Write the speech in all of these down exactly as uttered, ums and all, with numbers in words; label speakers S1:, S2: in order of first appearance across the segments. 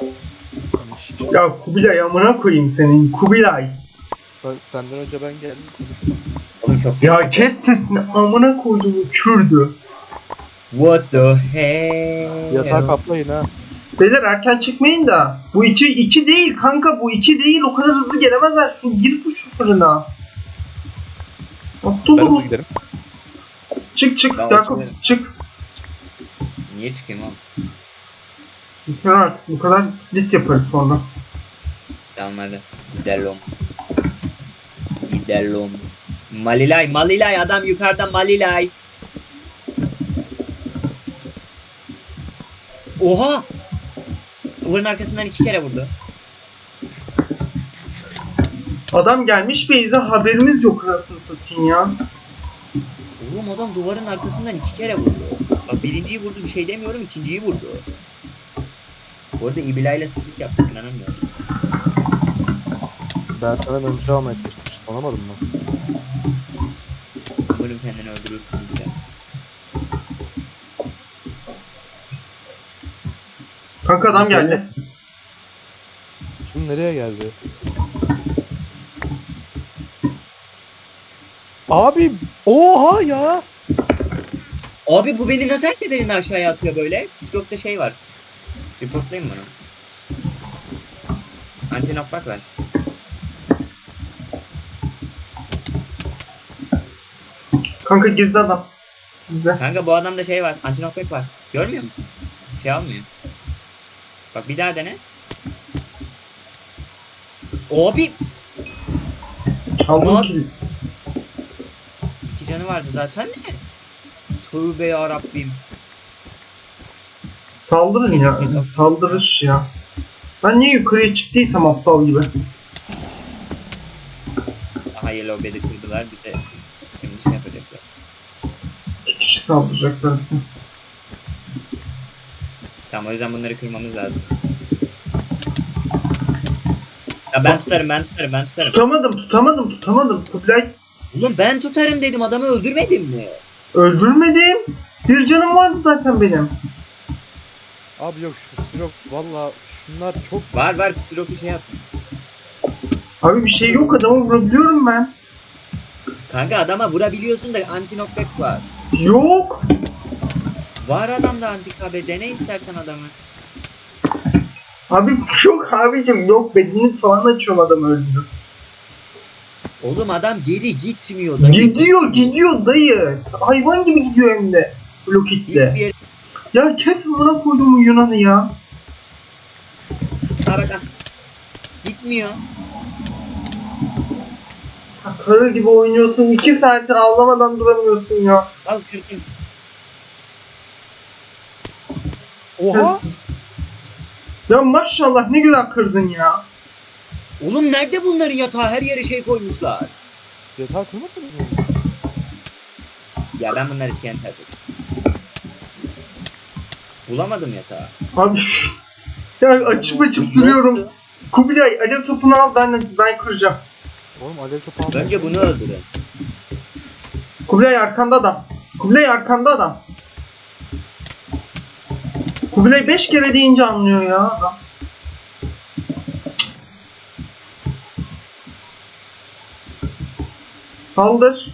S1: Ya Kubilay amına koyayım senin Kubilay.
S2: Senden önce ben geldim konuşma.
S3: Oğlum çok
S1: Ya kes sesini amına koyduğumu Kürdü.
S3: What the hell?
S2: Yatağı kaplayın ha.
S1: Beyler erken çıkmayın da. Bu iki, iki değil kanka bu iki değil o kadar hızlı gelemezler. Şu gir şu fırına. Aptal
S2: Ben hızlı
S1: ol.
S2: giderim.
S1: Çık çık
S3: Ben
S1: Yakup
S3: uçuyorum.
S1: çık.
S3: Niye çıkayım oğlum?
S1: Yeter artık bu kadar split yaparız sonra.
S3: Tamam hadi. Gidelim. Gidelim. Malilay, Malilay adam yukarıda Malilay. Oha! Duvarın arkasından iki kere vurdu.
S1: Adam gelmiş Beyza haberimiz yok nasıl satayım ya.
S3: Oğlum adam duvarın arkasından iki kere vurdu. Bak birinciyi vurdu bir şey demiyorum, ikinciyi vurdu. Bu arada İbilay'la split yaptık inanamıyorum.
S2: Ben senden önce almaya çalışmıştım. Anlamadın mı?
S3: Umarım kendini öldürürsün İbilay.
S1: Kanka adam geldi.
S2: Şimdi nereye geldi? Abi oha ya.
S3: Abi bu beni nasıl her seferinde aşağıya atıyor böyle? Psikologda şey var. Reportlayayım bunu. Anti-knockback ver.
S1: Kanka girdi adam. Sizde.
S3: Kanka bu adamda şey var. Anti-knockback var. Görmüyor musun? Şey almıyor. Bak bir daha dene. Abi
S1: Aldım
S3: Ne
S1: ki.
S3: iki canı vardı zaten de. Tövbe yarabbim.
S1: Saldırın ya. Saldırış ya. Ben niye yukarıya çıktıysam aptal gibi.
S3: Aha Yellow Bed'i kırdılar. Bir de şimdi şey yapacaklar.
S1: İki kişi saldıracaklar bize.
S3: Tamam o yüzden bunları kırmamız lazım. Ya ben tutarım ben tutarım ben tutarım.
S1: Tutamadım tutamadım tutamadım. Kubilay
S3: Oğlum ben tutarım dedim adamı öldürmedim mi?
S1: öldürmedim. Bir canım vardı zaten benim.
S2: Abi yok şu sirop valla şunlar çok
S3: Var var psiloki şey yaptım.
S1: Abi bir şey yok adamı vurabiliyorum ben.
S3: Kanka adama vurabiliyorsun da anti knockback var.
S1: Yok.
S3: Var adamda anti K B dene istersen adamı.
S1: Abi yok abicim yok bedenini falan açıyorum adamı öldürüp.
S3: Oğlum adam geri gitmiyor dayı.
S1: Gidiyor gidiyor dayı. Hayvan gibi gidiyor hem de. Blok
S3: Git bir
S1: hitle.
S3: yere.
S1: Ya kes buna koyduğumu Yunan'ı ya.
S3: Ha bak ha. Gitmiyor.
S1: Ya Karı gibi oynuyorsun. iki saati ağlamadan duramıyorsun ya.
S3: Al kırdım.
S2: oha.
S1: Ya maşallah ne güzel kırdın ya.
S3: Oğlum nerede bunların yatağı her yere şey koymuşlar.
S2: Yatağı kırmadınız mı?
S3: Ya ben bunları T N T atacağım. Bulamadım yatağı.
S1: Abi ya açıp açıp duruyorum.
S3: Yoktu.
S1: Kubilay alev topunu al ben ben kıracağım.
S2: Oğlum alev topu almayın.
S3: Önce bunu öldürün.
S1: Kubilay arkanda adam. Kubilay arkanda adam. Kubilay beş kere deyince anlıyor ya adam. Saldır.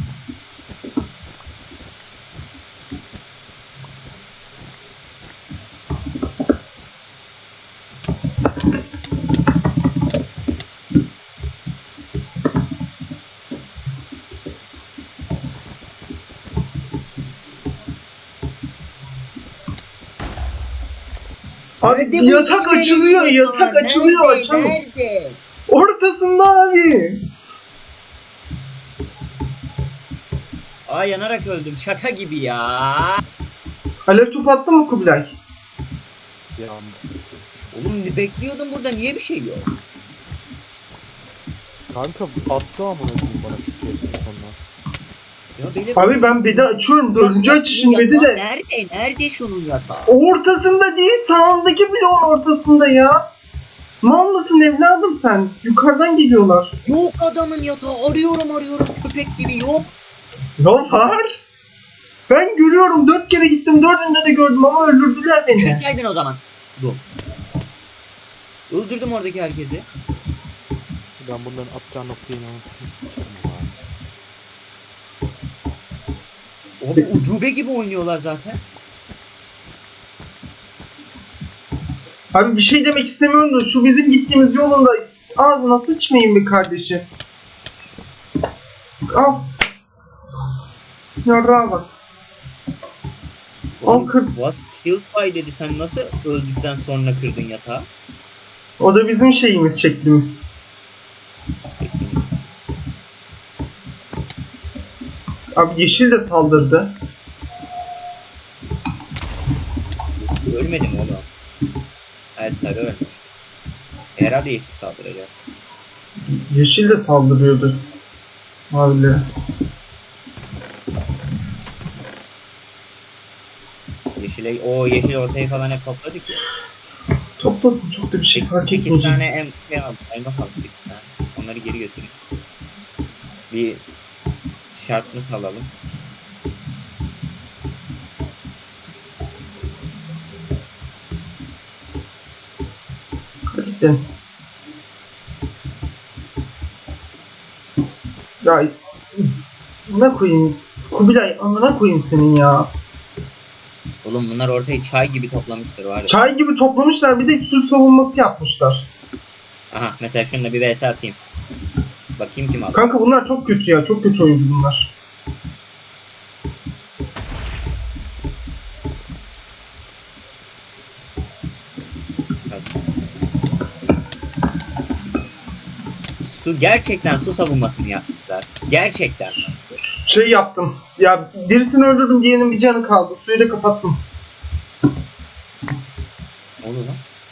S1: Abi
S3: Nerede bu
S1: yatak
S3: İngilizce
S1: açılıyor,
S3: yatağı?
S1: yatak açılıyor,
S3: Nerede?
S1: açalım.
S3: Nerede?
S1: Ortasında abi.
S3: Aa yanarak öldüm. Şaka gibi ya.
S1: Alev top attı mı Kubilay?
S2: Ya
S3: Oğlum bekliyordum burada niye bir şey yok?
S2: kanka attı amına koyayım bana şu keyifli sonra.
S3: Ya beni
S1: Abi ben bedi açıyorum. Dördüncü açışım bedi de.
S3: Nerede? Nerede şunun yatağı?
S1: Ortasında değil, sağındaki bloğun ortasında ya. Mal mısın evladım sen? Yukarıdan geliyorlar.
S3: Yok adamın yatağı. Arıyorum arıyorum köpek gibi yok.
S1: Ne var? Ben görüyorum. Dört kere gittim. Dördünde de gördüm ama öldürdüler beni.
S3: Kırsaydın o zaman. Bu. Öldürdüm oradaki herkesi.
S2: Ben bunların atacağı noktaya inanmasını istiyorum abi.
S3: Abi ucube gibi oynuyorlar zaten.
S1: Abi bir şey demek istemiyorum da şu bizim gittiğimiz yolunda ağzına sıçmayın bir kardeşim. Al. Yarrağa bak. Al kır.
S3: Was killed by dedi. Sen nasıl öldükten sonra kırdın yatağı?
S1: O da bizim şeyimiz, şeklimiz. Abi yeşil de saldırdı.
S3: Ölmedim oğlum. Her sarı ölmüş. Herhalde yeşil saldıracak.
S1: Yeşil de saldırıyordu. Mavilere.
S3: Yeşile, o yeşil ortayı falan hep topladık ya.
S1: Toplasın, çok da bir şey fark
S3: sekiz
S1: etmeyecek.
S3: tane em şey aldım. Elmas aldım sekiz tane. Onları geri götürün. Bir şartlı salalım.
S1: Hadi gidelim. Ya ne koyayım? Kubilay amına koyayım senin ya.
S3: Oğlum bunlar ortayı çay gibi toplamıştır var ya.
S1: Çay gibi toplamışlar, bir de su savunması yapmışlar.
S3: Aha mesela şununla bir vs atayım. Bakayım kim aldı.
S1: Kanka bunlar çok kötü ya, çok kötü oyuncu bunlar.
S3: Su gerçekten su savunması mı yapmışlar? Gerçekten.
S1: Şey yaptım. Ya birisini öldürdüm, diğerinin bir canı kaldı. Suyu da kapattım.
S3: Ne oluyor lan?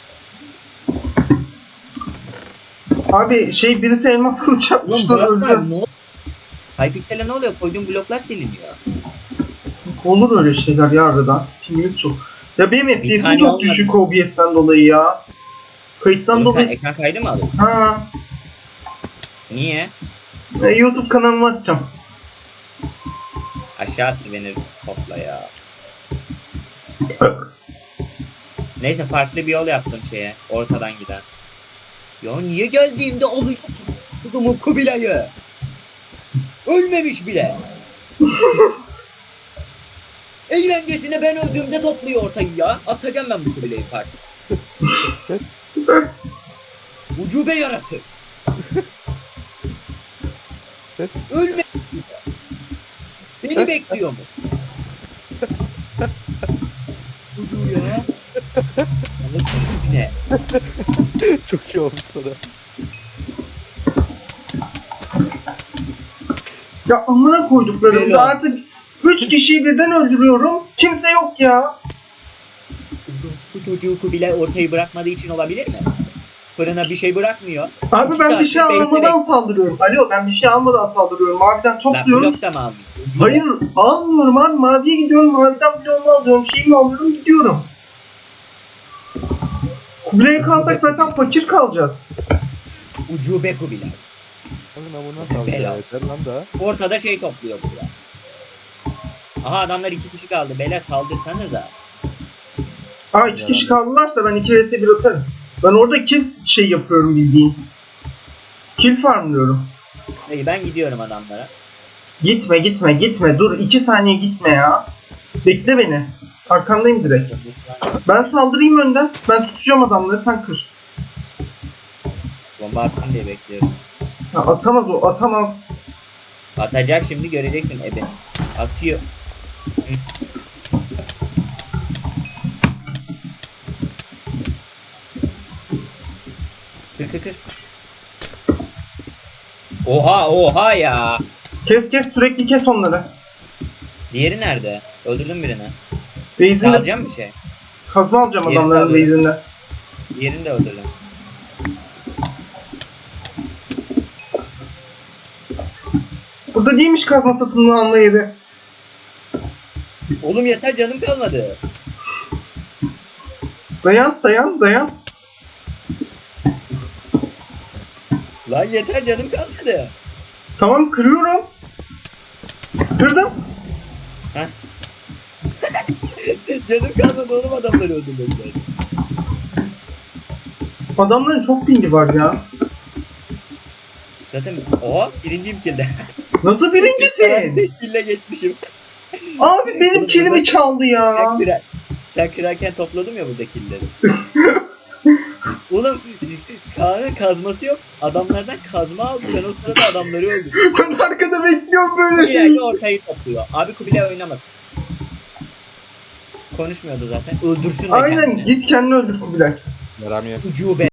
S1: Abi şey birisi elmas kılıç
S3: Oğlum
S1: yapmışlar,
S3: bloklar
S1: öldü.
S3: ne oluyor? Hypixel'e ne oluyor? Koyduğum bloklar siliniyor.
S1: Olur öyle şeyler ya arada. Pingimiz çok. Ya benim F P S'im
S3: tane
S1: çok
S3: olmadı.
S1: düşük O B S'ten dolayı ya. Kayıttan
S3: Oğlum sen
S1: dolayı.
S3: ekran kaydı mı aldın?
S1: Ha,
S3: Niye?
S1: e, YouTube kanalıma atacağım.
S3: Aşağı attı beni topla ya. Neyse farklı bir yol yaptım şeye. Ortadan giden. Ya niye geldiğimde alıyor tutumu Kubilay'ı? Ölmemiş bile. Eğlencesine ben öldüğümde topluyor ortayı ya. Atacağım ben bu Kubilay'ı parça. Ucube yaratır. Ölme. Beni bekliyor mu? Ucu ya. Anlatayım bile.
S2: Çok iyi olmuş sana.
S1: Ya amına koyduklarımda
S3: Helal.
S1: artık üç kişiyi birden öldürüyorum. Kimse yok ya.
S3: Bu çocuğu Kubilay ortayı bırakmadığı için olabilir mi? Fırına bir şey bırakmıyor.
S1: Abi
S3: İki
S1: ben bir şey
S3: saattir
S1: almadan
S3: bekleyerek-
S1: saldırıyorum. Alo, ben bir şey almadan saldırıyorum. Maviden
S3: Lan
S1: topluyorum.
S3: blok da mı almıyor? Ucu
S1: Hayır almıyorum abi. Maviye gidiyorum. Maviden bloğumu alıyorum. Şeyimi alıyorum, gidiyorum. Kubilay'a kalsak zaten fakir kalacağız.
S3: Ucube Kubilay.
S2: Kanka bu nasıl alacağız
S3: Helal.
S2: yeter lan da.
S3: Ortada şey topluyor burada. Aha adamlar iki kişi kaldı. Beyler saldırsanıza.
S1: Aa iki
S2: Ya.
S1: kişi kaldılarsa ben iki vs bir atarım. Ben orada kill şey yapıyorum bildiğin. Kill farmlıyorum.
S3: İyi ben gidiyorum adamlara.
S1: Gitme gitme gitme. Dur iki saniye gitme ya. Bekle beni. Arkandayım direkt. Ben saldırayım önden. Ben tutacağım adamları, sen kır.
S3: Bomba atsın diye bekliyorum.
S1: Ya atamaz o, atamaz.
S3: Atacak şimdi göreceksin ebe. Atıyor. Hı. Kır kır kır. Oha oha ya.
S1: Kes kes, sürekli kes onları.
S3: Diğeri nerede? Öldürdüm birini.
S1: Base'inde
S3: Alacağım bir şey.
S1: kazma alacağım
S3: Yerini
S1: adamların
S3: alıyorum.
S1: base'inde.
S3: Diğerini de öldürdüm.
S1: Burada değilmiş kazma satın alma yeri.
S3: Oğlum yeter canım kalmadı.
S1: Dayan dayan dayan.
S3: Lan yeter canım kalmadı.
S1: Tamam kırıyorum. Kırdım.
S3: Heh. canım kalmadı oğlum adamları öldürmekten.
S1: Adamların çok pingi var ya.
S3: Zaten o birinciyim kilde.
S1: Nasıl
S3: Ben
S1: birincisin?
S3: tek kille geçmişim.
S1: Abi benim
S3: Oğlum
S1: kilimi
S3: burada-
S1: çaldı ya.
S3: Sen, kırar, sen kırarken topladım ya burada killeri. Oğlum Kaan'ın kazması yok. Adamlardan kazma aldı. Ben o sırada adamları öldürdüm.
S1: Ben arkada bekliyorum böyle
S3: Kubilay
S1: şey.
S3: de ortayı topluyor. Abi Kubilay oynamaz. Konuşmuyordu zaten. Öldürsün de
S1: Aynen
S3: kendini.
S1: git kendini öldür Kubilay.
S2: Yaram yok.
S3: Ucube.